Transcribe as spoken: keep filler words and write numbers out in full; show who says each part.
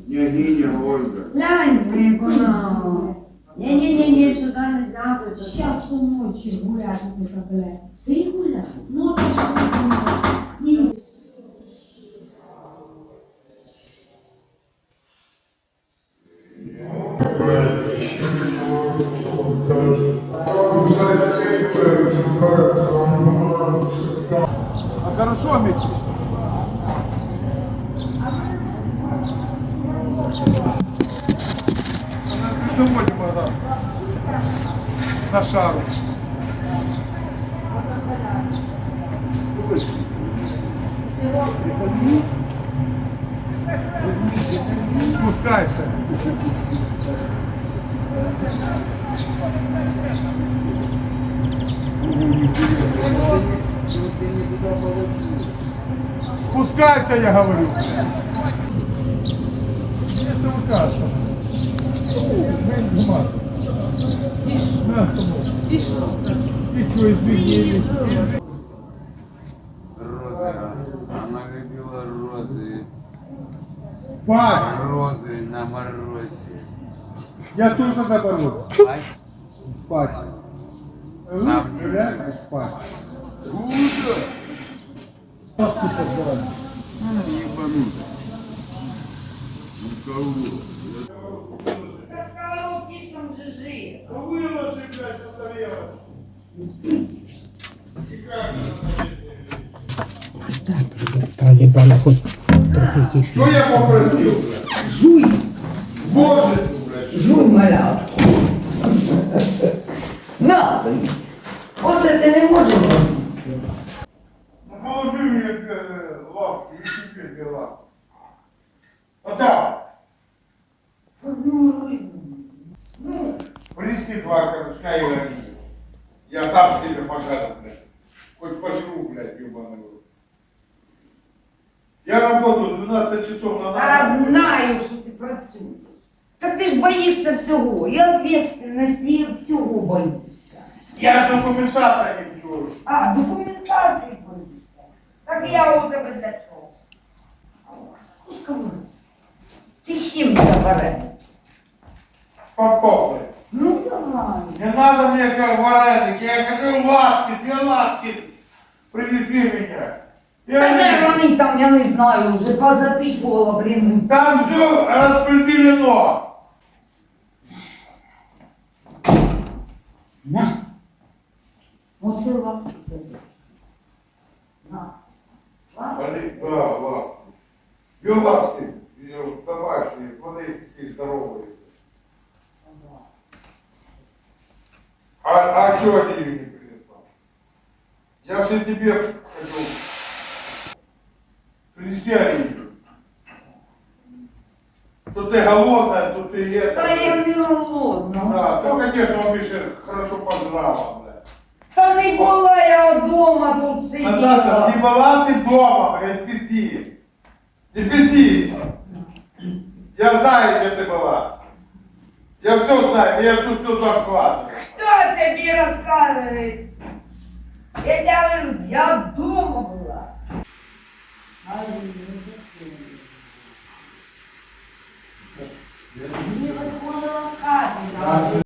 Speaker 1: Княгиня Ольга.
Speaker 2: Глянь, як вона. Ні-ні-ні, сюди не надо.
Speaker 3: Сейчас у ночи гулять это, блядь.
Speaker 2: Ти гуляй.
Speaker 3: Ну, ты что, с ним
Speaker 1: А хорошо, Микки? Заводим назад. На шару. Спускайся. Спускайся, я говорю. Где ты укажешь?
Speaker 2: І що?
Speaker 1: И что, извинились?
Speaker 4: Розы. Она любила розы.
Speaker 1: Спать!
Speaker 4: Розы на морозе.
Speaker 1: Я тоже наоборот.
Speaker 4: Спать?
Speaker 1: Спать.
Speaker 4: Сам не
Speaker 1: Реально спать.
Speaker 4: Куда?
Speaker 1: Папки подбирать.
Speaker 4: Ебануто. Ну кого?
Speaker 2: Сказала, ти ж там же жив.
Speaker 1: Выложи, блядь, на тарелочку.
Speaker 5: Так, ребята, хоть трохи тише.
Speaker 1: Что я попросил, блядь?
Speaker 2: Жуй.
Speaker 1: Боже, блядь.
Speaker 2: Жуй, малявки. На тобі. Оце ти не можеш їсти.
Speaker 1: Ну положи мне э, лапки, и тебе две лапки. Вот так.
Speaker 2: Ну,
Speaker 1: Принеси два корешка и вари. Я сам себе пожарю, блядь. Хоть пожру, блядь, ебаный в рот. Я работаю двенадцать часов на
Speaker 2: а
Speaker 1: ногах.
Speaker 2: знаю, що ти працюєш. Та ти ж боїшся всього. І відповідальності, і всього боїшся.
Speaker 1: Я документация не вчу.
Speaker 2: А, документації боїшся. Так я у тебе для чого? Скажи, ти з чим забере?
Speaker 1: Попробуй.
Speaker 2: Ну давай.
Speaker 1: Не надо мне как вареники, я хочу лапки, две лапки. Привези меня.
Speaker 2: Та де
Speaker 1: Я...
Speaker 2: вони там, я не знаю, вже позаписувала, блін.
Speaker 1: Там все распределено.
Speaker 2: На. Оце лапки. На. Лапки.
Speaker 1: Смотри, да, лапки. Две лапки, э, домашние, смотри, какие здоровые. А, а что они ее не принесла? Я же тебе хочу принести оливию. То ты голодная, то ты это.
Speaker 2: Та я не голодна.
Speaker 1: Да, то, конечно, он еще хорошо пожрала, блядь.
Speaker 2: Та не була я вдома тут сиділа.
Speaker 1: Наташа, не была ты дома, блядь, пизди. Не пизди. Я знаю, где ты была. Я все знаю, я тут все закладываю.
Speaker 2: Хто тобі розказує? Я говорю, я вдома була. Мені виходила в хаті.